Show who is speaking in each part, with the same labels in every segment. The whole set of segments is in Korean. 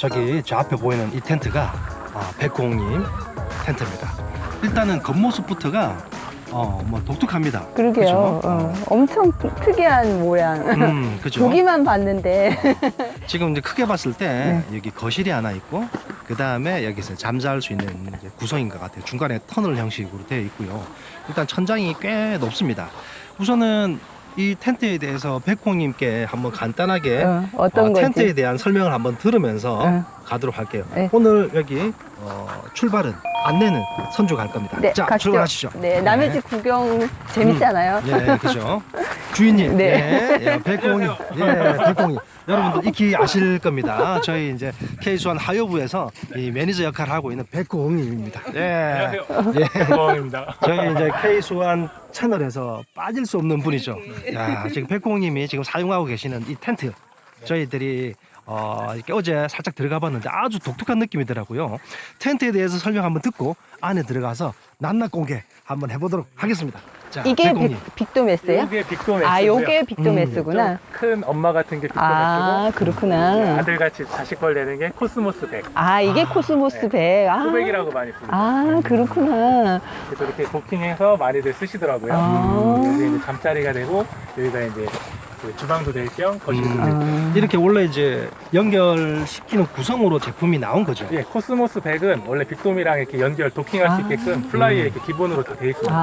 Speaker 1: 저기 저 앞에 보이는 이 텐트가 백호님 텐트입니다. 일단은 겉모습부터가 뭐 독특합니다.
Speaker 2: 그러게요.
Speaker 1: 그죠?
Speaker 2: 엄청 특이한 모양.
Speaker 1: 그죠?
Speaker 2: 보기만 봤는데.
Speaker 1: 지금 이제 크게 봤을 때 여기 거실이 하나 있고 그 다음에 여기서 잠잘 수 있는 이제 구성인 것 같아요. 중간에 터널 형식으로 되어 있고요. 일단 천장이 꽤 높습니다. 우선은 이 텐트에 대해서 백호님께 한번 간단하게
Speaker 2: 어떤 건지.
Speaker 1: 텐트에 대한 설명을 한번 들으면서 가도록 할게요.
Speaker 2: 네.
Speaker 1: 오늘 여기 출발은 안내는 선주가 할 겁니다.
Speaker 2: 네,
Speaker 1: 자,
Speaker 2: 가시죠.
Speaker 1: 출발하시죠.
Speaker 2: 네, 남의 집 구경 재밌잖아요.
Speaker 1: 예, 그죠. 주인님,
Speaker 2: 네.
Speaker 1: 백공님, 백공님. 여러분들 익히 아실 겁니다. 저희 이제 K수완 하요부에서 이 매니저 역할을 하고 있는 백공님입니다.
Speaker 3: 안녕하세요.
Speaker 1: 예.
Speaker 3: 백공입니다.
Speaker 1: 저희 이제 K수완 채널에서 빠질 수 없는 분이죠. 야, 지금 백공님이 지금 사용하고 계시는 이 텐트, 저희들이 이렇게 어제 살짝 들어가 봤는데 아주 독특한 느낌이더라고요. 텐트에 대해서 설명 한번 듣고 안에 들어가서 낱낱 공개 한번 해보도록 하겠습니다. 자,
Speaker 2: 이게
Speaker 1: 백공님.
Speaker 2: 빅도메스예요?
Speaker 3: 이게 빅도메스고요.
Speaker 2: 아, 요게 빅도메스구나.
Speaker 3: 큰 엄마 같은 게 빅도메스고
Speaker 2: 아, 그렇구나.
Speaker 3: 아들같이 자식벌 내는 게 코스모스 백.
Speaker 2: 아, 이게 코스모스
Speaker 3: 네.
Speaker 2: 백. 아,
Speaker 3: 소백이라고 많이 부르죠.
Speaker 2: 아, 그렇구나.
Speaker 3: 그래서 이렇게 도킹해서 많이들 쓰시더라고요.
Speaker 2: 아.
Speaker 3: 여기 이제 잠자리가 되고 여기가 이제 그 주방도 될 겸 거실도 될 겸.
Speaker 1: 이렇게 원래 이제 연결시키는 구성으로 제품이 나온 거죠.
Speaker 3: 예, 코스모스 백은 원래 빅돔이랑 이렇게 연결 도킹할 수 있게끔 플라이에 이렇게 기본으로 다 돼 있습니다.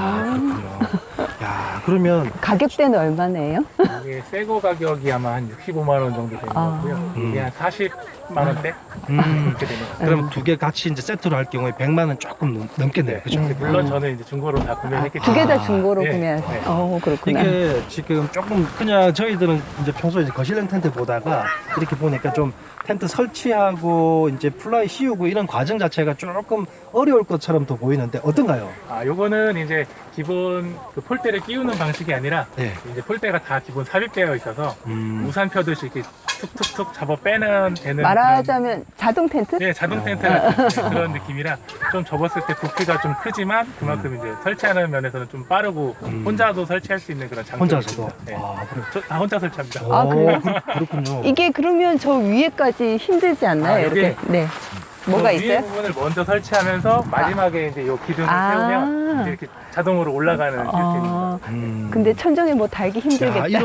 Speaker 2: 아,
Speaker 1: 야, 그러면
Speaker 2: 가격대는 얼마네요?
Speaker 3: 이게 새거 가격이 아마 한 65만 원 정도 되는 것 같고요. 이게 한 40만 원대 이렇게 되는 것 같아요.
Speaker 1: 그럼 두 개 같이 이제 세트로 할 경우에 100만 원 조금 넘겠네요. 그죠?
Speaker 3: 물론 저는 이제 중고로 다 구매했기
Speaker 2: 두 개
Speaker 3: 때문에
Speaker 2: 다 중고로
Speaker 3: 네,
Speaker 2: 구매하세요.
Speaker 3: 네.
Speaker 2: 그렇구나.
Speaker 1: 이게 지금 조금 그냥 저희들은 이제 평소에 이제 거실형 텐트 보다가 이렇게 보니까 좀 텐트 설치하고 이제 플라이 씌우고 이런 과정 자체가 조금 어려울 것처럼 더 보이는데 어떤가요?
Speaker 3: 요거는 이제 기본 그 폴대를 끼우는 방식이 아니라
Speaker 1: 네.
Speaker 3: 이제 폴대가 다 기본 삽입되어 있어서
Speaker 1: 음.
Speaker 3: 우산 펴듯이 이렇게 툭툭툭 잡아 빼는 되는
Speaker 2: 말하자면 자동 텐트?
Speaker 3: 네, 자동 텐트 같은 그런 느낌이라 좀 접었을 때 부피가 좀 크지만 그만큼 이제 설치하는 면에서는 좀 빠르고 혼자도 설치할 수 있는 그런 장점이
Speaker 1: 혼자서도?
Speaker 3: 있습니다. 네.
Speaker 1: 아, 그래요?
Speaker 3: 저 다 혼자 설치합니다.
Speaker 2: 아, 그래요?
Speaker 1: 그렇군요.
Speaker 2: 이게 그러면 저 위에까지 힘들지 않나요?
Speaker 3: 여기?
Speaker 2: 이렇게. 네. 뭐가
Speaker 3: 그 위에
Speaker 2: 있어요?
Speaker 3: 부분을 먼저 설치하면서 마지막에 이제 요 기둥을 세우면 이제 이렇게 자동으로 올라가는 시스템입니다.
Speaker 2: 근데 천정에 뭐 달기 힘들겠다.
Speaker 1: 야,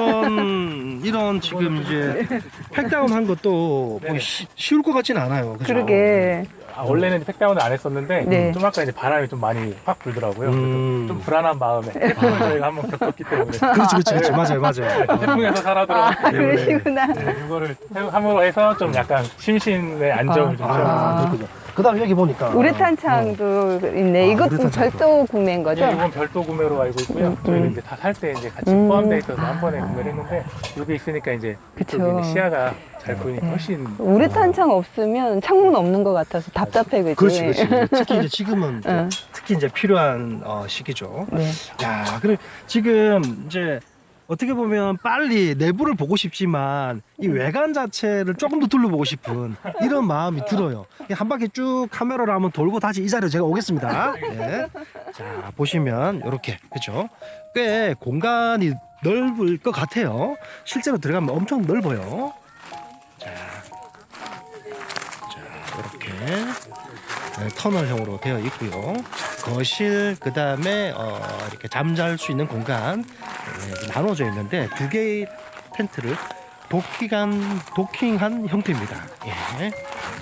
Speaker 1: 이런 지금 이제 팩다운 한 것도 뭐
Speaker 3: 네.
Speaker 1: 쉬울 것 같지는 않아요. 그죠?
Speaker 2: 그러게.
Speaker 3: 원래는 팩다운을 안 했었는데
Speaker 2: 네.
Speaker 3: 좀 아까 이제 바람이 좀 많이 확 불더라고요.
Speaker 1: 음.
Speaker 3: 그래서 좀 불안한 마음에 태풍을 저희가 한번 겪었기 때문에
Speaker 1: 그렇지. 맞아요.
Speaker 3: 태풍에서 살아 들어왔기 때문에
Speaker 2: 그러시구나.
Speaker 3: 네, 이거를 함으로 해서 좀 약간 심신의 안정을 좀 취하고
Speaker 1: 그렇군요. 그 다음에 여기 보니까
Speaker 2: 우레탄창도 있네. 이것도
Speaker 1: 우레탄창도.
Speaker 2: 별도 구매인 거죠?
Speaker 3: 네, 이건 별도 구매로 알고 있고요. 저희는 이제 다 살 때 이제 같이 포함되어 있어서 한 번에 구매를 했는데 여기 있으니까 이제
Speaker 2: 그쵸.
Speaker 3: 이쪽에 이제 시야가 잘 보이니까 훨씬
Speaker 2: 우레탄창 없으면 창문 없는 것 같아서 답답해, 그지?
Speaker 1: 그렇지. 특히 이제 지금은 특히 이제 필요한 시기죠.
Speaker 2: 네.
Speaker 1: 야, 그래 지금 이제 어떻게 보면 빨리 내부를 보고 싶지만 이 외관 자체를 조금 더 둘러보고 싶은 이런 마음이 들어요. 한 바퀴 쭉 카메라로 한번 돌고 다시 이 자리로 제가 오겠습니다. 네. 자, 보시면 이렇게 그죠? 꽤 공간이 넓을 것 같아요. 실제로 들어가면 엄청 넓어요. 자, 이렇게 터널형으로 되어 있고요. 거실, 그 다음에 이렇게 잠잘 수 있는 공간 나눠져 있는데 두 개의 텐트를 도킹한 형태입니다. 예.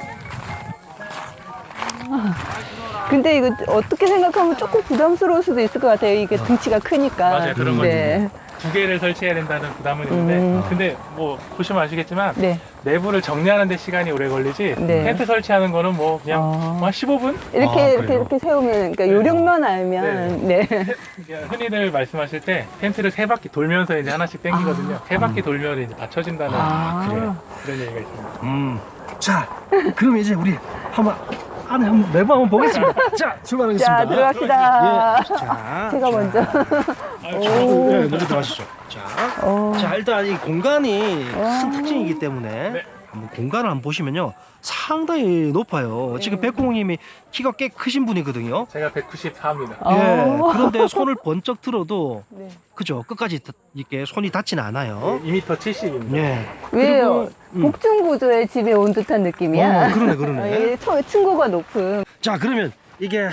Speaker 2: 근데 이거 어떻게 생각하면 조금 부담스러울 수도 있을 것 같아요. 이게 등치가 크니까.
Speaker 3: 맞아요. 그런 거
Speaker 2: 네.
Speaker 3: 두 개를 설치해야 된다는 부담은 있는데 근데 뭐 보시면 아시겠지만
Speaker 2: 네.
Speaker 3: 내부를 정리하는 데 시간이 오래 걸리지
Speaker 2: 네.
Speaker 3: 텐트 설치하는 거는 뭐 그냥 뭐 한 15분?
Speaker 2: 이렇게 세우면, 그러니까 요령만 알면, 네.
Speaker 3: 흔히들 말씀하실 때 텐트를 세 바퀴 돌면서 이제 하나씩 당기거든요. 세 바퀴 돌면 이제 받쳐진다는 그런 얘기가 있습니다.
Speaker 1: 자, 그럼 이제 우리 한번 안에 한번 내부 한번 보겠습니다. 자, 출발하겠습니다.
Speaker 2: 자, 들어갑시다.
Speaker 1: 예. 자,
Speaker 2: 제가 먼저.
Speaker 1: 네, 먼저 들어가시죠. 자, 일단 이 공간이 큰 특징이기 때문에 한번 공간을 한번 보시면요. 상당히 높아요. 지금 백공님이 키가 꽤 크신 분이거든요.
Speaker 3: 제가 194입니다.
Speaker 1: 예. 그런데 손을 번쩍 들어도
Speaker 2: 네.
Speaker 1: 그죠? 끝까지 이렇게 손이 닿지는 않아요.
Speaker 3: 2m 70입니다.
Speaker 1: 예.
Speaker 2: 왜요?
Speaker 1: 그리고,
Speaker 2: 복층 구조의 집에 온 듯한 느낌이야.
Speaker 1: 그러네, 그러네.
Speaker 2: 층고가 높은.
Speaker 1: 자, 그러면 이게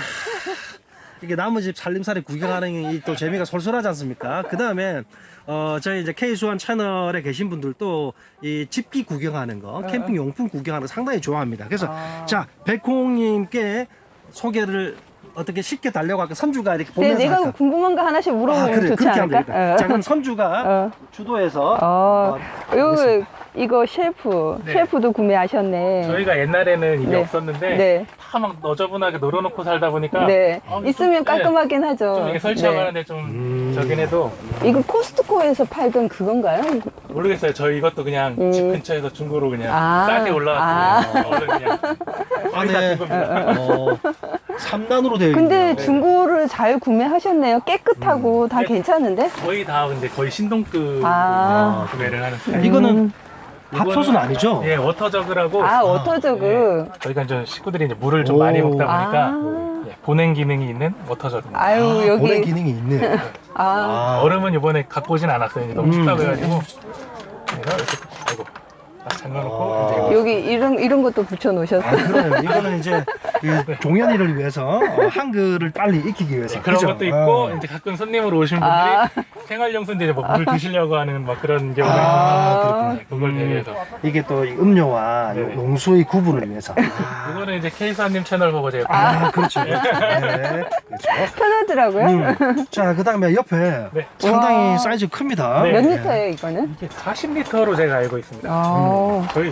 Speaker 1: 나무 집 살림살이 구경하는 이 또 재미가 솔솔하지 않습니까? 그 다음에 저희 이제 K수완 채널에 계신 분들도 이 집기 구경하는 거, 캠핑 용품 구경하는 거 상당히 좋아합니다. 그래서 자, 백홍님께 소개를 어떻게 쉽게 달려고 할까? 선주가 이렇게
Speaker 2: 네,
Speaker 1: 보면서
Speaker 2: 내가
Speaker 1: 할까?
Speaker 2: 궁금한 거 하나씩 물어보면 좋지
Speaker 1: 그렇게 하면
Speaker 2: 않을까?
Speaker 1: 되겠다. 자, 그럼 선주가 주도해서
Speaker 2: 이거 셰프.
Speaker 3: 네.
Speaker 2: 셰프도 구매하셨네.
Speaker 3: 저희가 옛날에는 이게
Speaker 2: 네.
Speaker 3: 없었는데
Speaker 2: 네.
Speaker 3: 다 막 너저분하게 놀아놓고 살다 보니까
Speaker 2: 네. 있으면
Speaker 3: 좀,
Speaker 2: 깔끔하긴 하죠.
Speaker 3: 좀 이게 설치하고
Speaker 2: 네.
Speaker 3: 하는데 좀 저긴 해도
Speaker 2: 이거 코스트코에서 팔던 그건가요?
Speaker 3: 모르겠어요. 저희 이것도 그냥 집 근처에서 중고로 그냥
Speaker 2: 아.
Speaker 3: 싸게 올라왔고 그냥 거의 다
Speaker 1: 안에
Speaker 3: 준 겁니다.
Speaker 1: 3단으로 되어
Speaker 2: 근데
Speaker 1: 있네요.
Speaker 2: 중고를 잘 구매하셨네요. 깨끗하고 다
Speaker 3: 네.
Speaker 2: 괜찮은데?
Speaker 3: 거의 다 근데 거의 신동급
Speaker 2: 아.
Speaker 3: 구매를 하는 스타일.
Speaker 1: 이거는 밥솥은 아니죠?
Speaker 3: 예, 워터저그라고
Speaker 2: 워터저그.
Speaker 3: 저희가 이제 식구들이 이제 물을 좀 많이 먹다 보니까
Speaker 2: 아.
Speaker 3: 예, 보냉 기능이 있는 워터저그입니다.
Speaker 2: 아유, 여기.
Speaker 1: 보냉 기능이 있네.
Speaker 3: 얼음은 이번에 갖고 오진 않았어요. 이제 너무 춥다고 해가지고. 그래서 이렇게, 아이고, 딱 잠궈놓고 이제
Speaker 2: 여기 이런 것도 붙여놓으셨어요.
Speaker 1: 그래요. 이거는 이제 그 종현이를 위해서 한글을 빨리 익히기 위해서
Speaker 3: 그런
Speaker 1: 그죠?
Speaker 3: 것도 있고 이제 가끔 손님으로 오신 분들이 생활용수인데 이제 뭐 물 드시려고 하는 막 그런 경우가 있어서 네, 그걸 대비해서
Speaker 1: 이게 또이 음료와
Speaker 3: 네네.
Speaker 1: 용수의 구분을 위해서.
Speaker 3: 이거는 이제 K사님 채널 보고 제가
Speaker 1: 그렇죠. 네, 그렇죠.
Speaker 2: 편하더라고요.
Speaker 1: 자, 그 다음에 옆에
Speaker 3: 네.
Speaker 1: 상당히
Speaker 2: 와.
Speaker 1: 사이즈 큽니다.
Speaker 3: 네.
Speaker 2: 몇 리터예요, 이거는?
Speaker 3: 이게 40리터로 제가 알고 있습니다. 저희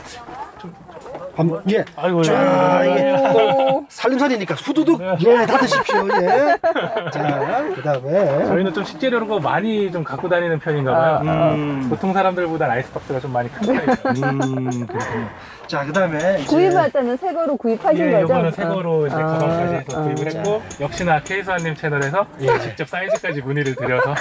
Speaker 1: 예.
Speaker 3: 아이고
Speaker 1: 자, 이게
Speaker 2: 오.
Speaker 1: 살림살이니까 후두둑 예, 다 드십시오. 예. 자, 그 다음에
Speaker 3: 저희는 좀 식재료로 많이 좀 갖고 다니는 편인가 봐요. 보통 사람들보다 아이스박스가 좀 많이 큰 편이에요.
Speaker 1: 그렇군요. 자, 그 다음에
Speaker 2: 구입할 때는 새 거로 구입하신
Speaker 3: 예,
Speaker 2: 거죠?
Speaker 3: 요거는 새 거로 이제
Speaker 2: 아.
Speaker 3: 가방까지 해서 구입을 했고 역시나 K수아님 채널에서 직접 사이즈까지 문의를 드려서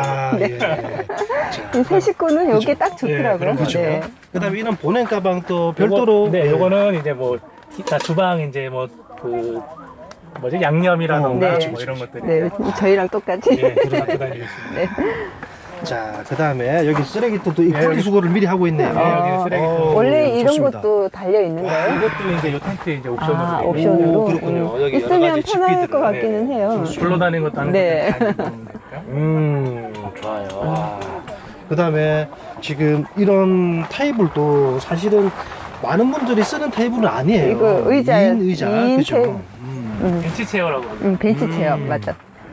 Speaker 2: 이새 식구는 여기에 딱 좋더라고요.
Speaker 3: 그런 거죠.
Speaker 2: 네.
Speaker 1: 그 다음에 이런 보냉 가방 또 별도로
Speaker 3: 네, 요거는 이제 뭐 기타 주방 이제 뭐 그 뭐지 양념이라던가
Speaker 2: 네.
Speaker 3: 뭐 이런 것들이
Speaker 2: 네, 저희랑 똑같이.
Speaker 3: 예, 갖고 다니고 있습니다.
Speaker 2: 네.
Speaker 1: 자, 그 다음에 여기 쓰레기통도 이
Speaker 3: 예,
Speaker 1: 분리수거를 미리 하고 있네요.
Speaker 3: 네, 여기 쓰레기통.
Speaker 2: 원래 이런
Speaker 1: 좋습니다.
Speaker 2: 것도 달려 있는 거예요?
Speaker 3: 이것도 이제 요 텐트 이제 옵션으로
Speaker 2: 아,
Speaker 3: 돼 있고
Speaker 2: 옵션으로.
Speaker 1: 그렇군요. 여기 여러
Speaker 2: 있으면
Speaker 1: 가지
Speaker 2: 편할
Speaker 1: 집기들을,
Speaker 2: 것 같기는
Speaker 3: 네.
Speaker 2: 해요.
Speaker 3: 굴러다니는 것도 하는
Speaker 2: 네.
Speaker 3: 것도 다 있는 거니까요.
Speaker 1: 좋아요. 그 다음에 지금 이런 테이블도 사실은 많은 분들이 쓰는 테이블은 아니에요.
Speaker 2: 이거 의자예요.
Speaker 1: 2인 의자.
Speaker 2: 2인
Speaker 1: 그죠?
Speaker 2: 테이블.
Speaker 3: 벤치 체어라고 그러죠.
Speaker 2: 벤치 체어, 맞아.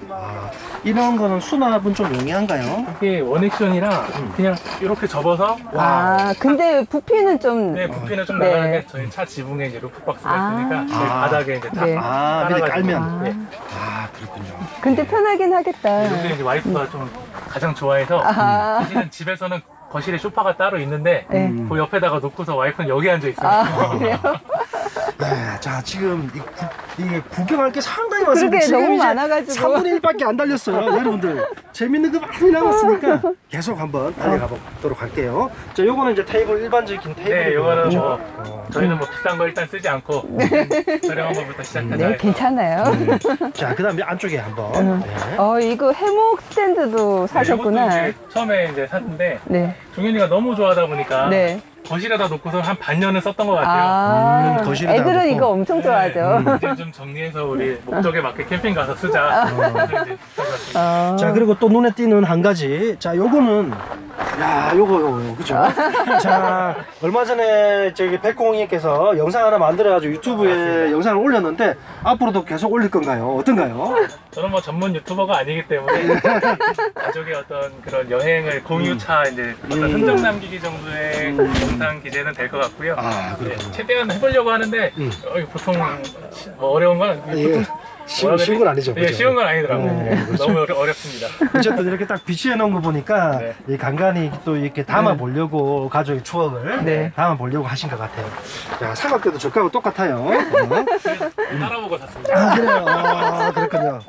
Speaker 1: 이런 거는 수납은 좀 용이한가요?
Speaker 3: 이게 원액션이라 그냥 이렇게 접어서
Speaker 2: 근데 부피는 좀.
Speaker 3: 네, 부피는 좀
Speaker 2: 네.
Speaker 3: 나가는데 저희 차 지붕에 이제 루프박스가
Speaker 2: 아.
Speaker 3: 있으니까 저희 바닥에 이제 다
Speaker 2: 네.
Speaker 1: 밑에
Speaker 3: 깔아가지고.
Speaker 1: 깔면.
Speaker 3: 예.
Speaker 1: 그렇군요.
Speaker 2: 근데 편하긴 하겠다.
Speaker 3: 여기 이제 와이프가 좀 가장 좋아해서 사실은 집에서는 거실에 소파가 따로 있는데
Speaker 2: 네.
Speaker 3: 그 옆에다가 놓고서 와이프는 여기 앉아 있어요.
Speaker 2: 그래요?
Speaker 1: 네, 자, 지금 이게 구경할 게 상당히 많습니다.
Speaker 2: 그러게,
Speaker 1: 지금
Speaker 2: 너무
Speaker 1: 이제
Speaker 2: 많아가지고.
Speaker 1: 3분의 1밖에 안 달렸어요. 여러분들, 재밌는 거 많이 남았으니까 계속 한번 달려가 보도록 할게요. 자, 요거는 이제 테이블, 일반적인 테이블.
Speaker 3: 네, 이거는 뭐 저희는 뭐 비싼 거 일단 쓰지 않고 저렴한 거부터 시작하자.
Speaker 2: 네,
Speaker 3: 해서.
Speaker 2: 괜찮아요.
Speaker 1: 자, 그 다음에 안쪽에 한번. 네.
Speaker 2: 이거 해목 스탠드도 사셨구나.
Speaker 3: 네, 이것도 이제 처음에 이제 샀는데
Speaker 2: 네.
Speaker 3: 종현이가 너무 좋아하다 보니까
Speaker 2: 네.
Speaker 3: 거실에다 놓고서 한 반년은 썼던 것 같아요.
Speaker 1: 거실에다
Speaker 2: 애들은
Speaker 1: 놓고.
Speaker 2: 이거 엄청 좋아하죠.
Speaker 3: 이제 좀 정리해서 우리 목적에 맞게 캠핑 가서 쓰자. 그래서 이제 사봤습니다.
Speaker 1: 자, 그리고 또 눈에 띄는 한 가지. 자, 요거는, 야, 요거, 그죠? 자, 얼마 전에 저기 백공님께서 영상 하나 만들어가지고 유튜브에 영상을 올렸는데, 앞으로도 계속 올릴 건가요? 어떤가요?
Speaker 3: 저는 뭐 전문 유튜버가 아니기 때문에 가족의 어떤 그런 여행을 공유차 이제 어떤 흔적 남기기 정도의 영상 기재는 될 것 같고요. 네, 최대한 해보려고 하는데 보통 뭐 어려운 건
Speaker 1: 예. 쉬운 건 아니죠.
Speaker 3: 예,
Speaker 1: 그죠?
Speaker 3: 쉬운 건 아니더라고요. 너무 어렵습니다.
Speaker 1: 어쨌든 이렇게 딱 비치해 놓은 거 보니까
Speaker 3: 네.
Speaker 1: 이 간간히 또 이렇게 담아 보려고 가족의 추억을
Speaker 2: 네.
Speaker 1: 담아 보려고 하신 것 같아요. 자, 삼각대도 저가하고 똑같아요.
Speaker 3: 따라보고 샀습니다.
Speaker 1: 그래요. 그렇군요.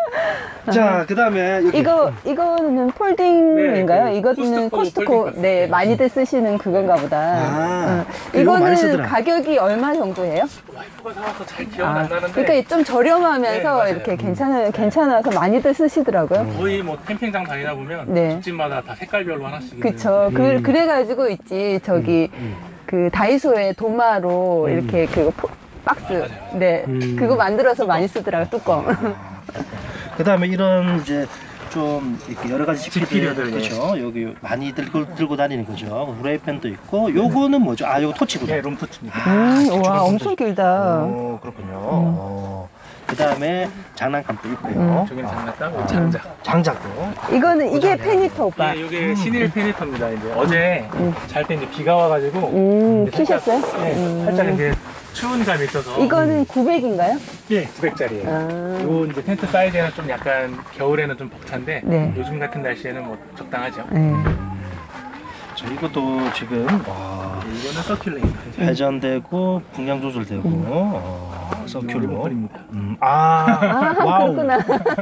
Speaker 1: 자, 그다음에 여기
Speaker 2: 이거는 폴딩인가요?
Speaker 3: 네,
Speaker 2: 이거는
Speaker 3: 코스트코
Speaker 2: 코스트코 네 많이들 쓰시는 그건가 보다.
Speaker 1: 아,
Speaker 2: 응.
Speaker 1: 이거 많이
Speaker 2: 이거는
Speaker 1: 쓰더라.
Speaker 2: 가격이 얼마 정도예요?
Speaker 3: 와이프가 사와서 잘 기억은 안 나는데
Speaker 2: 그러니까 좀 저렴하면서
Speaker 3: 네, 맞아요.
Speaker 2: 이렇게 괜찮아서 많이들 쓰시더라고요.
Speaker 3: 거의 뭐 캠핑장 다니다 보면
Speaker 2: 네.
Speaker 3: 집집마다 다 색깔별로 하나씩
Speaker 2: 그쵸. 그래가지고 있지 저기 그 다이소에 도마로 이렇게 그 박스 네 그거 만들어서 많이 쓰더라고요 뚜껑.
Speaker 1: 그다음에 이런 이제 좀 이렇게 여러 가지
Speaker 3: 지피류들,
Speaker 1: 그렇죠. 여기 많이 들고 다니는 거죠. 후라이팬도 있고 요거는 뭐죠? 아, 요거 토치구나.
Speaker 3: 네, 롬토치입니다.
Speaker 2: 와 엄청 길다.
Speaker 1: 오, 그렇군요. 그다음에 장난감도 있고요.
Speaker 3: 저기는 장난감, 장작.
Speaker 1: 장작도.
Speaker 2: 이거는 이게 페니터 오빠.
Speaker 3: 네, 이게 신일 페니터입니다. 이제 어제 잘 때 이제 비가 와가지고 이제
Speaker 2: 피셨어요?
Speaker 3: 네, 살짝 이제 추운 감이 있어서
Speaker 2: 이거는 900인가요?
Speaker 3: 예, 900짜리예요.
Speaker 2: 아.
Speaker 3: 요 이제 텐트 사이즈는 좀 약간 겨울에는 좀 벅찬데
Speaker 2: 네.
Speaker 3: 요즘 같은 날씨에는 뭐 적당하죠.
Speaker 2: 네.
Speaker 1: 자, 이것도 지금 와,
Speaker 3: 이거는 서큘레이터.
Speaker 1: 회전되고 풍량 조절되고 서큘로.
Speaker 3: 리모컨입니다.
Speaker 1: 와우.
Speaker 2: 그렇구나.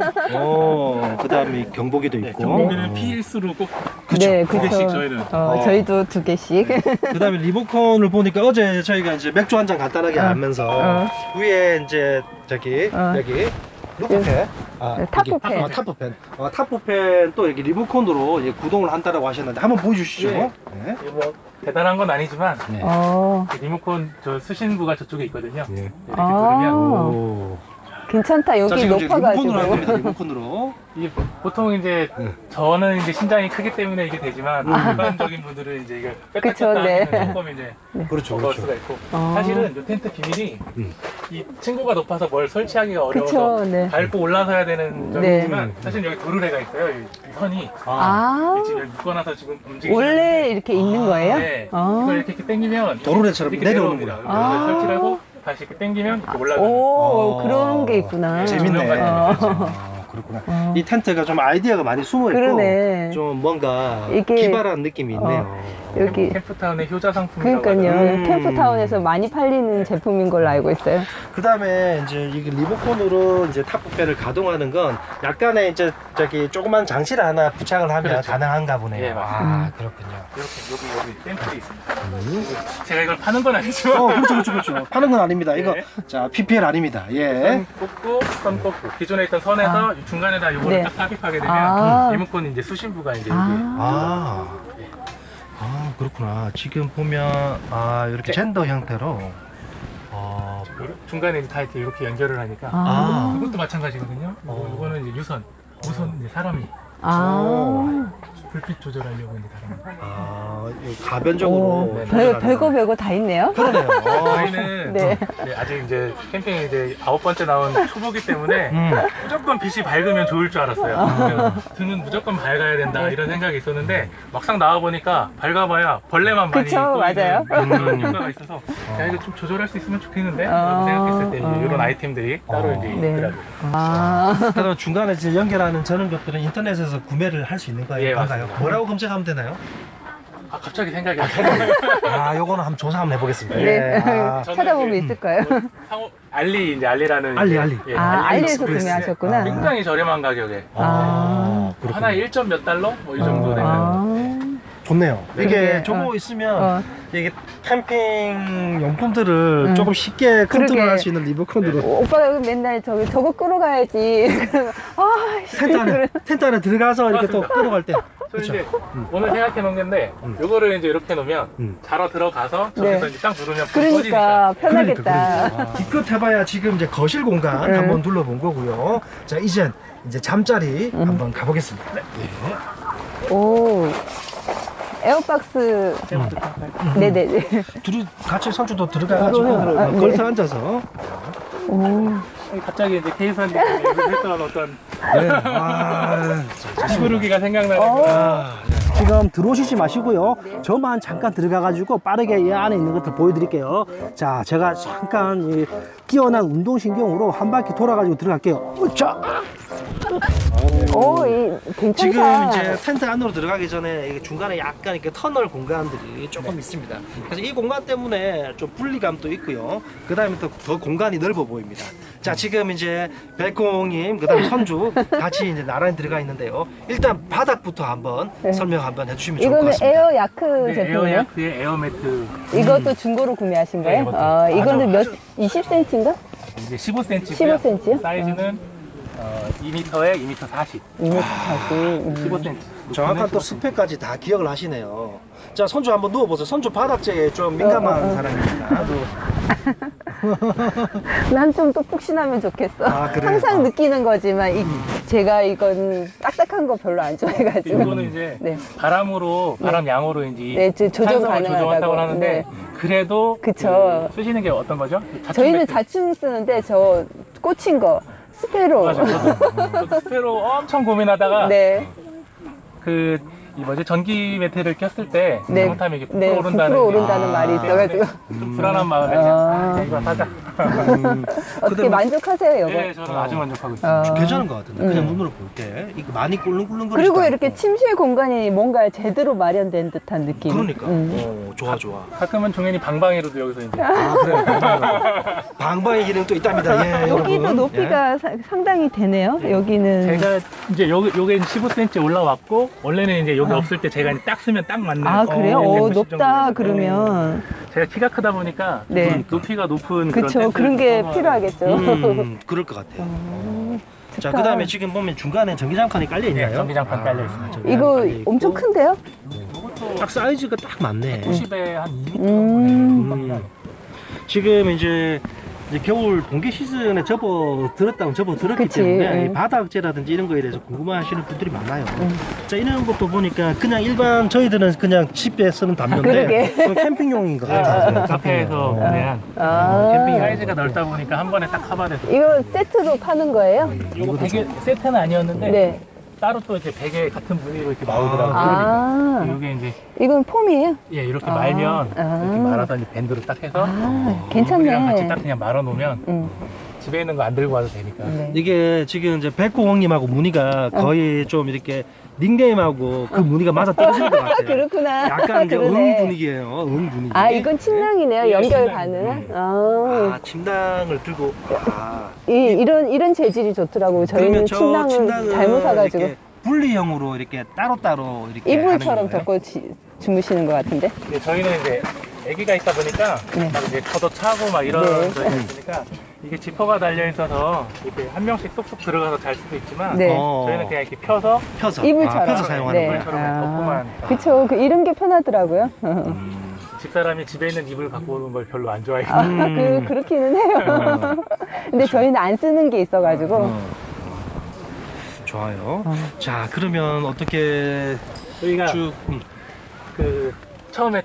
Speaker 1: 그다음에 경보기도
Speaker 3: 네,
Speaker 1: 있고.
Speaker 3: 경보기는 필수로 꼭
Speaker 1: 그쵸.
Speaker 2: 네,
Speaker 3: 두 개씩
Speaker 2: 그쵸.
Speaker 3: 저희는.
Speaker 2: 저희도 2개씩.
Speaker 1: 그다음에 리모컨을 보니까 어제 저희가 이제 맥주 한 잔 간단하게 하면서 위에 이제 저기 여기 루프팬,
Speaker 2: 타프팬.
Speaker 1: 여기, 타프팬, 타프팬 또 이렇게 리모컨으로 이제 구동을 한다라고 하셨는데 한번 보여주시죠.
Speaker 3: 네.
Speaker 1: 네.
Speaker 3: 이게 뭐 대단한 건 아니지만
Speaker 1: 네.
Speaker 3: 그 리모컨 저 수신부가 저쪽에 있거든요.
Speaker 1: 네.
Speaker 3: 이렇게 누르면
Speaker 1: 오.
Speaker 2: 괜찮다.
Speaker 1: 자,
Speaker 2: 여기
Speaker 1: 지금 이제
Speaker 2: 높아가지고.
Speaker 1: 리모컨으로 할 겁니다. 리모컨으로.
Speaker 3: 이게 보통 이제 저는 이제 신장이 크기 때문에 이게 되지만 일반적인 분들은 이제 이게 뺐다
Speaker 2: 그쵸,
Speaker 3: 뺐다
Speaker 2: 네.
Speaker 3: 하면 조금 이제
Speaker 1: 그렇죠,
Speaker 3: 버거울
Speaker 1: 그렇죠.
Speaker 3: 수가 있고 사실은 이 텐트 비밀이 이 층고가 높아서 뭘 설치하기가 어려워서
Speaker 2: 그쵸, 네.
Speaker 3: 밟고 올라서야 되는 점이지만 사실 여기 도르래가 있어요. 이 선이 지금 여기 묶어놔서 지금 움직이지
Speaker 2: 원래 이렇게 있는 거예요?
Speaker 3: 네. 이걸 이렇게 당기면
Speaker 1: 도르래처럼
Speaker 3: 이렇게
Speaker 1: 내려오는구나.
Speaker 3: 내려옵니다. 그래서 설치를 하고 다시 이렇게 당기면 이렇게 올라가는.
Speaker 2: 오, 그런 게 있구나.
Speaker 1: 재밌네. 그렇구나. 이 텐트가 좀 아이디어가 많이 숨어 있고
Speaker 2: 그러네.
Speaker 1: 좀 뭔가
Speaker 2: 이게-
Speaker 1: 기발한 느낌이 있네요.
Speaker 2: 여기.
Speaker 3: 캠프타운의 효자 상품이라고
Speaker 2: 그러니까요. 캠프타운에서 많이 팔리는 제품인 걸로 알고 있어요.
Speaker 1: 그다음에 이제 이게 리모컨으로 이제 탑부페를 가동하는 건 약간의 이제 저기 조그만 장치를 하나 부착을 하면
Speaker 3: 그렇죠.
Speaker 1: 가능한가 보네요.
Speaker 3: 예, 맞습니다.
Speaker 1: 아, 그렇군요.
Speaker 3: 이렇게 여기 샘플이 있습니다. 제가 이걸 파는 건 아니지만
Speaker 1: 그렇죠. 파는 건 아닙니다. 이거
Speaker 3: 네.
Speaker 1: 자 PPL 아닙니다. 예.
Speaker 3: 선 꽂고 기존에 있던 선에서 중간에다 이거를
Speaker 2: 네.
Speaker 3: 딱 삽입하게 되면
Speaker 2: 아.
Speaker 3: 리모컨 이제 수신부가 이제
Speaker 1: 아, 그렇구나. 지금 보면 이렇게
Speaker 3: 네.
Speaker 1: 젠더 형태로.
Speaker 3: 여기 중간에 이제 다 이렇게 연결을 하니까
Speaker 1: 아.
Speaker 3: 이것도 마찬가지거든요. 이거는 이제 무선 이제 사람이 불빛 조절하려고 이제 사람이.
Speaker 1: 이거 가변적으로.
Speaker 3: 네.
Speaker 2: 별거 다 있네요.
Speaker 1: 그러네요.
Speaker 3: 저희는
Speaker 2: 네.
Speaker 3: 아직 이제 캠핑 이제 9번째 나온 초보기 때문에 무조건 빛이 밝으면 좋을 줄 알았어요. 등은 무조건 밝아야 된다 이런 생각이 있었는데 막상 나와 보니까 밝아봐야 벌레만 많이
Speaker 2: 그쵸,
Speaker 3: 또
Speaker 2: 맞아요.
Speaker 3: 그런 효과가 있어서 야 이거 좀 조절할 수 있으면 좋겠는데 라고 생각했을 때 이제 이런 아이템들이 따로 이제
Speaker 2: 네.
Speaker 3: 있더라고요.
Speaker 1: 그럼 중간에 이제 연결하는 저런 것들은 인터넷에서 구매를 할 수 있는 거예요?
Speaker 3: 예,
Speaker 1: 그런가요?
Speaker 3: 맞습니다.
Speaker 1: 뭐라고 검색하면 되나요?
Speaker 3: 갑자기 생각이 안 나요.
Speaker 1: 요거는 한번 조사 한번 해보겠습니다.
Speaker 2: 네.
Speaker 1: 예.
Speaker 2: 찾아보면 있을 거예요.
Speaker 3: 알리라는
Speaker 1: 알리.
Speaker 3: 예,
Speaker 2: 알리에서
Speaker 3: 익스프레스.
Speaker 2: 구매하셨구나.
Speaker 3: 굉장히 저렴한 가격에
Speaker 1: 그렇군요.
Speaker 3: 하나에 1점 몇 달러? 뭐 이 정도 되는
Speaker 1: 좋네요. 이게
Speaker 2: 그러게.
Speaker 1: 저거 있으면 이게 캠핑 용품들을 조금 쉽게 컨트롤할 수 있는 리모컨으로
Speaker 2: 오빠가 맨날 저거 끌어가야지.
Speaker 1: 텐트 안에 들어가서 이렇게 또
Speaker 3: 맞습니다.
Speaker 1: 끌어갈 때.
Speaker 3: 저
Speaker 1: 그렇죠.
Speaker 3: 이제 오늘 생각해 놓은 건데 요거를 이제 이렇게 놓으면 자러 들어가서 저기서
Speaker 2: 네.
Speaker 3: 이제 딱 누르면 불 꺼지니까.
Speaker 2: 그러니까 편하겠다.
Speaker 1: 기껏 해봐야 지금 이제 거실 공간 한번 둘러본 거고요. 자, 이제 잠자리 한번 가보겠습니다.
Speaker 2: 오. 에어박스. 네네네.
Speaker 1: 둘이 같이 선주도 들어가가지고 걸터 앉아서.
Speaker 3: 갑자기 이제 케이선이 했던 어떤
Speaker 1: 네.
Speaker 3: 시부르기가 생각나는
Speaker 1: 지금 들어오시지 마시고요. 저만 잠깐 들어가가지고 빠르게 이 안에 있는 것들 보여드릴게요. 자, 제가 잠깐 이 뛰어난 운동신경으로 한 바퀴 돌아가지고 들어갈게요. 자,
Speaker 2: 오, 괜찮다.
Speaker 1: 지금 이제 텐트 안으로 들어가기 전에 이게 중간에 약간 이렇게 터널 공간들이 조금 있습니다. 그래서 이 공간 때문에 좀 분리감도 있고요. 그 다음에 또 더 공간이 넓어 보입니다. 자, 지금 이제 백공님, 그 다음에 선주 같이 이제 나란히 들어가 있는데요. 일단 바닥부터 한번 설명 한번 해주시면 좋을 것
Speaker 2: 이거는
Speaker 1: 같습니다.
Speaker 2: 에어 야크
Speaker 3: 네,
Speaker 2: 제품이에요?
Speaker 3: 에어야크의 에어매트
Speaker 2: 이것도 중고로 구매하신
Speaker 3: 네,
Speaker 2: 거예요?
Speaker 3: 이것도.
Speaker 2: 아, 이거는 몇 20cm인가?
Speaker 3: 이제 15cm고요.
Speaker 2: 15cm 요?
Speaker 3: 사이즈는 2m에 2m 40.
Speaker 2: 2m 40.
Speaker 3: 15cm.
Speaker 1: 정확한 또 스펙까지 다 기억을 하시네요. 자, 선주 한번 누워보세요. 선주 바닥재에 좀 민감한 사람입니다.
Speaker 2: 난 좀 또 푹신하면 좋겠어.
Speaker 1: 아, 그래요?
Speaker 2: 항상 느끼는 거지만 제가 이건 딱딱한 거 별로 안 좋아해가지고.
Speaker 3: 이거는 이제
Speaker 2: 네.
Speaker 3: 바람으로 바람 양으로 이제
Speaker 2: 네, 조절
Speaker 3: 탄성을
Speaker 2: 가능하다고.
Speaker 3: 조정한다고 하는데
Speaker 2: 네.
Speaker 3: 그래도
Speaker 2: 그쵸.
Speaker 3: 그 쓰시는 게 어떤 거죠?
Speaker 2: 저희는
Speaker 3: 매트.
Speaker 2: 자충 쓰는데 저 꽂힌 거 스페로.
Speaker 3: 맞아. 저도 스페로 엄청 고민하다가
Speaker 2: 네.
Speaker 3: 이 뭐지 전기 매트를 꼈을 때
Speaker 2: 네.
Speaker 3: 잘못하면 이게
Speaker 2: 네,
Speaker 3: 부풀어오른다는
Speaker 2: 부풀어 오른다는 말이 있어가지고.
Speaker 3: 좀 불안한 마음에 이거 사자.
Speaker 2: 어떻게
Speaker 1: 뭐-
Speaker 2: 만족하세요, 여보?
Speaker 3: 네, 저는 아주 만족하고 있습니다.
Speaker 1: 괜찮은 것 같은데 그냥 눈으로 볼 때 이거 많이 꿀렁꿀렁거리지
Speaker 2: 그리고 이렇게 침실 공간이 뭔가 제대로 마련된 듯한 느낌.
Speaker 1: 그러니까 좋아 좋아.
Speaker 3: 가끔은 종현이 방방이로도 여기서 이제
Speaker 1: 아, 그래요. 방방의 기능 또 있답니다. 예,
Speaker 2: 여기도
Speaker 1: 여러분.
Speaker 2: 높이가 상당히 되네요. 여기는.
Speaker 3: 제가 이제 요게 15cm 올라왔고 원래는 이제 여기 없을 때 제가 이제 딱 쓰면 딱 맞는
Speaker 2: 아, 그래요?
Speaker 3: 190
Speaker 2: 높다,
Speaker 3: 정도 되는데
Speaker 2: 그러면.
Speaker 3: 제가 키가 크다 보니까
Speaker 2: 네.
Speaker 3: 높이가 높은
Speaker 2: 그쵸, 그런 게 필요하겠죠.
Speaker 1: 그럴 것 같아요. 자,
Speaker 2: 좋다.
Speaker 1: 그 다음에 지금 보면 중간에 전기장판이 깔려 있나요?
Speaker 3: 네, 전기장판 깔려 있습니다.
Speaker 1: 전기장판이
Speaker 2: 이거
Speaker 1: 깔려 있고.
Speaker 2: 엄청 큰데요?
Speaker 1: 딱 사이즈가 딱 맞네.
Speaker 3: 90에 한 2m
Speaker 2: 음.
Speaker 1: 지금 이제 겨울 동계 시즌에 접어들었기
Speaker 2: 그치,
Speaker 1: 때문에
Speaker 2: 응.
Speaker 1: 이 바닥재라든지 이런 거에 대해서 궁금해하시는 분들이 많아요. 자, 이런 것도 보니까 그냥 일반 저희들은 그냥 집에 쓰는 담요인데
Speaker 2: 그러게.
Speaker 1: 그건 캠핑용인 것 같아요.
Speaker 3: 카페에서 그냥
Speaker 2: 아.
Speaker 3: 캠핑 사이즈가 넓다 보니까 한 번에 딱 커버돼서
Speaker 2: 이거 세트로 파는 거예요?
Speaker 3: 이거 베개 세트는 아니었는데
Speaker 2: 네.
Speaker 3: 따로 또 이렇게 베개 같은 무늬로 이렇게 나오더라고요.
Speaker 2: 아,
Speaker 3: 이게 이제
Speaker 2: 이건 폼이에요?
Speaker 3: 예 이렇게
Speaker 2: 아.
Speaker 3: 말면
Speaker 2: 아.
Speaker 3: 이렇게 말아서 이제 밴드로 딱 해서
Speaker 2: 아,
Speaker 3: 이불이랑 같이
Speaker 2: 괜찮네.
Speaker 3: 딱 그냥 말아 놓으면 집에 있는 거 안 들고 와도 되니까.
Speaker 2: 네.
Speaker 1: 이게 지금 이제 백호홍님하고 무늬가 거의 좀 이렇게 닉네임하고 그 무늬가 맞아 떨어지는 것 같아요.
Speaker 2: 그렇구나.
Speaker 1: 약간 이제
Speaker 2: 그러네.
Speaker 1: 응 분위기예요. 응 분위기.
Speaker 2: 아, 이건 침낭이네요.
Speaker 3: 예,
Speaker 2: 연결
Speaker 3: 침낭.
Speaker 2: 가능한?
Speaker 1: 아, 침낭을 들고. 아.
Speaker 2: 이런 재질이 좋더라고요.
Speaker 1: 그러면
Speaker 2: 저희는
Speaker 1: 저
Speaker 2: 침낭을
Speaker 1: 침낭을
Speaker 2: 잘못 사가지고.
Speaker 1: 이렇게 분리형으로 이렇게 따로따로 이렇게
Speaker 2: 이불처럼
Speaker 1: 하는 거예요?
Speaker 2: 덮고 주무시는 것 같은데?
Speaker 3: 예, 저희는 이제 아기가 있다 보니까
Speaker 2: 네.
Speaker 3: 막 이제 걷어 차고 막 이런
Speaker 2: 네.
Speaker 3: 거 있으니까 이게 지퍼가 달려 있어서 이렇게 한 명씩 쏙쏙 들어가서 잘 수도 있지만
Speaker 2: 네.
Speaker 3: 저희는 그냥 이렇게 펴서
Speaker 1: 펴서
Speaker 2: 이불처럼.
Speaker 1: 펴서 사용하는
Speaker 2: 네.
Speaker 1: 거예요.
Speaker 3: 이불처럼 덮고만.
Speaker 2: 그쵸. 이런 게 편하더라고요.
Speaker 3: 집사람이 집에 있는 이불 갖고 오는 걸 별로 안 좋아해요.
Speaker 2: 그렇기는 해요. 근데 저희는 안 쓰는 게 있어가지고.
Speaker 1: 좋아요. 자, 그러면 어떻게
Speaker 3: 저희가
Speaker 1: 쭉
Speaker 3: 그 처음에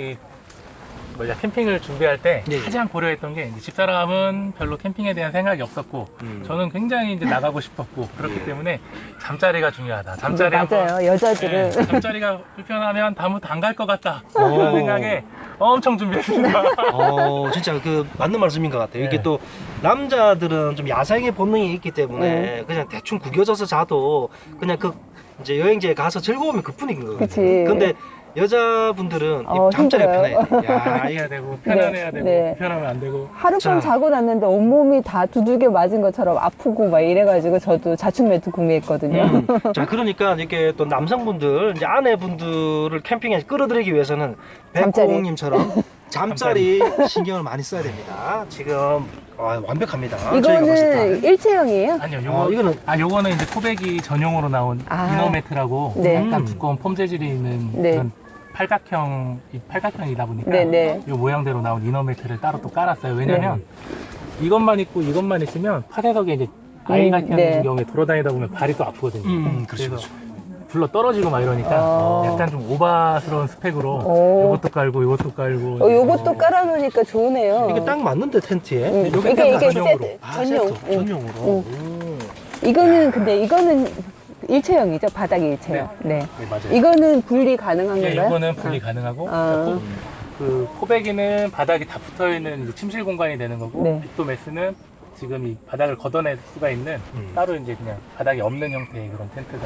Speaker 3: 캠핑을 준비할 때
Speaker 1: 네.
Speaker 3: 가장 고려했던 게 이제 집사람은 별로 캠핑에 대한 생각이 없었고 저는 굉장히 이제 나가고 싶었고 그렇기 때문에 잠자리가 중요하다. 잠자리 한번
Speaker 2: 맞아요. 여자들은.
Speaker 3: 네, 잠자리가 불편하면 다음부터 안 갈 것 같다. 그런 생각에 엄청 준비했습니다.
Speaker 1: 진짜 그 맞는 말씀인 것 같아요. 이게
Speaker 3: 네.
Speaker 1: 또 남자들은 좀 야생의 본능이 있기 때문에 그냥 대충 구겨져서 자도 그냥 그 이제 여행지에 가서 즐거우면 그뿐인 거거든요.
Speaker 2: 그치.
Speaker 1: 근데 여자분들은 이 잠자리가
Speaker 2: 힘들어요.
Speaker 1: 편해야 돼. 야,
Speaker 3: 해야 되고 편안해야 되고
Speaker 2: 네.
Speaker 3: 편하면 안 되고
Speaker 2: 하룻밤
Speaker 1: 자.
Speaker 2: 자고 났는데 온몸이 다 두들겨 맞은 것처럼 아프고 막 이래가지고 저도 자충 매트 구매했거든요.
Speaker 1: 자, 그러니까 이렇게 또 남성분들, 이제 아내분들을 캠핑에 끌어들이기 위해서는
Speaker 2: 잠자리.
Speaker 1: 백호님처럼 잠자리 신경을 많이 써야 됩니다. 지금 완벽합니다. 저희가 봤을 때.
Speaker 2: 이거는 일체형이에요?
Speaker 3: 아니요
Speaker 1: 이거는
Speaker 3: 요거는 이제 코백이 전용으로 나온
Speaker 2: 아.
Speaker 3: 이너매트라고
Speaker 2: 네.
Speaker 3: 약간 두꺼운 폼 재질이 있는
Speaker 2: 네.
Speaker 3: 그런 팔각형이다 보니까
Speaker 2: 네네.
Speaker 3: 이 모양대로 나온 이너매트를 따로 또 깔았어요. 왜냐면 이것만 있고 이것만 있으면 파쇄석에 이제 아이 같은
Speaker 2: 네.
Speaker 3: 경우에 돌아다니다 보면 발이 또 아프거든요.
Speaker 1: 그렇죠,
Speaker 3: 그래서 불러 떨어지고 막 이러니까 약간 좀 오바스러운 스펙으로
Speaker 2: 오.
Speaker 3: 이것도 깔고 이것도 깔고
Speaker 2: 요것도 깔아놓으니까 좋으네요.
Speaker 1: 이게 딱 맞는데 텐트에.
Speaker 2: 이게
Speaker 1: 전용으로.
Speaker 2: 세트, 전용.
Speaker 1: 세트, 전용으로.
Speaker 2: 이거는 일체형이죠. 바닥이 일체형. 네.
Speaker 3: 네, 맞아요.
Speaker 2: 이거는 분리 가능한
Speaker 3: 예,
Speaker 2: 건가요?
Speaker 3: 이거는 분리 가능하고
Speaker 2: 아.
Speaker 3: 그 코베기는 바닥이 다 붙어 있는 침실 공간이 되는 거고
Speaker 2: 네.
Speaker 3: 빅도메스는 지금 이 바닥을 걷어낼 수가 있는 따로 이제 그냥 바닥이 없는 형태의 그런 텐트가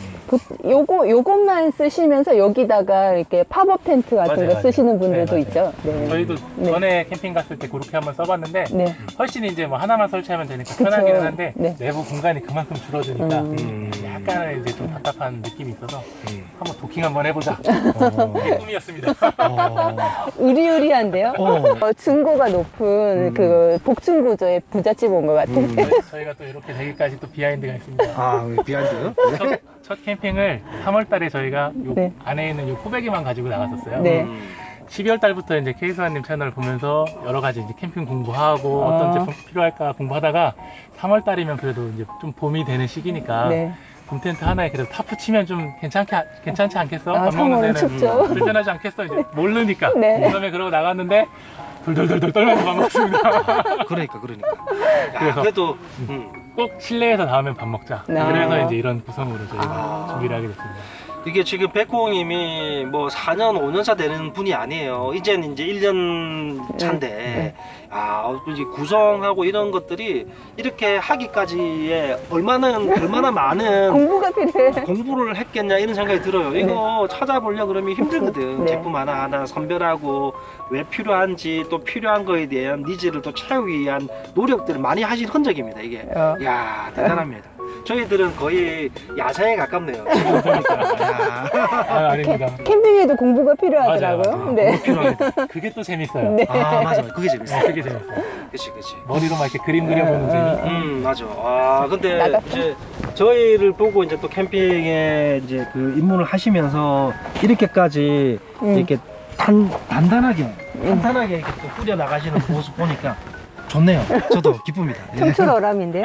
Speaker 2: 요것만 쓰시면서 여기다가 이렇게 팝업 텐트 같은
Speaker 3: 맞아요,
Speaker 2: 거
Speaker 3: 맞아요.
Speaker 2: 쓰시는 분들도
Speaker 3: 네,
Speaker 2: 있죠. 네.
Speaker 3: 저희도
Speaker 2: 네.
Speaker 3: 전에 캠핑 갔을 때 그렇게 한번 써봤는데
Speaker 2: 네.
Speaker 3: 훨씬 이제 뭐 하나만 설치하면 되니까
Speaker 2: 그쵸.
Speaker 3: 편하기는 한데
Speaker 2: 네.
Speaker 3: 내부 공간이 그만큼 줄어드니까
Speaker 1: 음.
Speaker 3: 약간은 이제 좀 답답한 느낌이 있어서 한번 도킹 한번 해보자.
Speaker 1: 어.
Speaker 3: 그게 꿈이었습니다.
Speaker 2: 의리의리한데요. 중고가 높은 그 복층 구조의 부잣집 온 것 같은.
Speaker 3: 저희가 또 이렇게 되기까지 또 비하인드가 있습니다.
Speaker 1: 아, 비하인드.
Speaker 3: 첫 캠핑을 3월 달에 저희가 요
Speaker 2: 네.
Speaker 3: 안에 있는 요 코베기만 가지고 나갔었어요.
Speaker 2: 네.
Speaker 3: 12월 달부터 이제 케이수아님 채널 보면서 여러 가지 이제 캠핑 공부하고 어떤 제품 필요할까 공부하다가 3월 달이면 그래도 이제 좀 봄이 되는 시기니까
Speaker 2: 네.
Speaker 3: 봄 텐트 하나에 그래도 타프 치면 좀 괜찮지 않겠어?
Speaker 2: 아,
Speaker 3: 밥 먹는
Speaker 2: 3월은
Speaker 3: 데는
Speaker 2: 춥죠.
Speaker 3: 불편하지 않겠어? 이제 모르니까.
Speaker 2: 네.
Speaker 3: 그다음에 그러고 나갔는데 돌돌돌돌 떨면서 밥 먹습니다.
Speaker 1: 그러니까. 야,
Speaker 3: 그래서
Speaker 1: 그래도
Speaker 3: 꼭 실내에서 다음엔 밥 먹자.
Speaker 2: 아.
Speaker 3: 그래서 이제 이런 구성으로 저희가 준비를 하게 됐습니다.
Speaker 1: 이게 지금 백호님이 뭐 4년, 5년차 되는 분이 아니에요. 이제는 이제 1년 차인데, 이제 구성하고 이런 것들이 이렇게 하기까지에 얼마나 많은
Speaker 2: 공부가 필요해.
Speaker 1: 공부를 했겠냐 이런 생각이 들어요. 이거 찾아보려고 그러면 힘들거든.
Speaker 2: 네.
Speaker 1: 제품 하나하나 선별하고 왜 필요한지 또 필요한 거에 대한 니즈를 또 채우기 위한 노력들을 많이 하신 흔적입니다. 이게. 야 대단합니다. 저희들은 거의 야생에 가깝네요. 지금 보니까.
Speaker 3: 아닙니다.
Speaker 2: 캠핑에도 공부가 필요하더라고요.
Speaker 3: 맞아요.
Speaker 2: 네.
Speaker 1: 필요합니다.
Speaker 3: 그게 또 재밌어요.
Speaker 2: 네.
Speaker 1: 맞아. 그게 재밌어.
Speaker 3: 그게 재밌어요.
Speaker 1: 그치.
Speaker 3: 머리로 막 이렇게 그림 그려보는 재미.
Speaker 1: 맞아. 근데
Speaker 2: 나갔다.
Speaker 1: 이제 저희를 보고 이제 또 캠핑에 이제 그 입문을 하시면서 이렇게까지 이렇게 단단하게 이렇게 또 꾸려 나가시는 모습 보니까 좋네요. 저도 기쁩니다. 예.
Speaker 2: 청출어람인데요.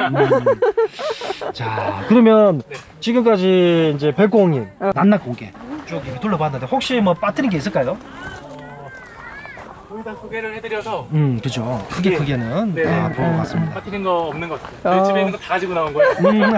Speaker 1: 자, 그러면 지금까지 이제 백공님 낱낱 공개 쭉 이렇게 둘러봤는데 혹시 뭐 빠뜨린 게 있을까요?
Speaker 3: 거의 다 소개를 해드려서
Speaker 1: 그죠. 크게는
Speaker 3: 네.
Speaker 1: 본 것 같습니다.
Speaker 3: 빠뜨린 거 없는 것 같아요. 저희 집에 있는 거 다 가지고 나온 거예요.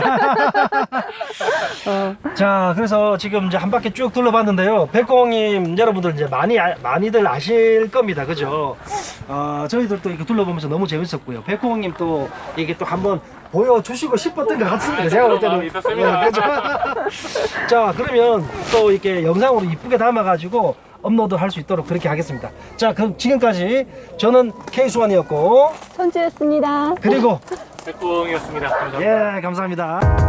Speaker 1: 자, 그래서 지금 이제 한 바퀴 쭉 둘러봤는데요. 백공님 여러분들 이제 많이들 아실 겁니다. 그죠? 저희들도 이렇게 둘러보면서 너무 재밌었고요. 백공님 또 이게 또 한번 보여주시고 싶었던 것 같습니다. 제가 볼 때는.
Speaker 3: 마음이 있었습니다.
Speaker 1: 그죠? 자, 그러면 또 이렇게 영상으로 이쁘게 담아가지고 업로드 할 수 있도록 그렇게 하겠습니다. 자, 그럼 지금까지 저는 K수환이었고
Speaker 2: 선주였습니다.
Speaker 1: 그리고
Speaker 3: 백봉이었습니다. 감사합니다.
Speaker 1: 감사합니다.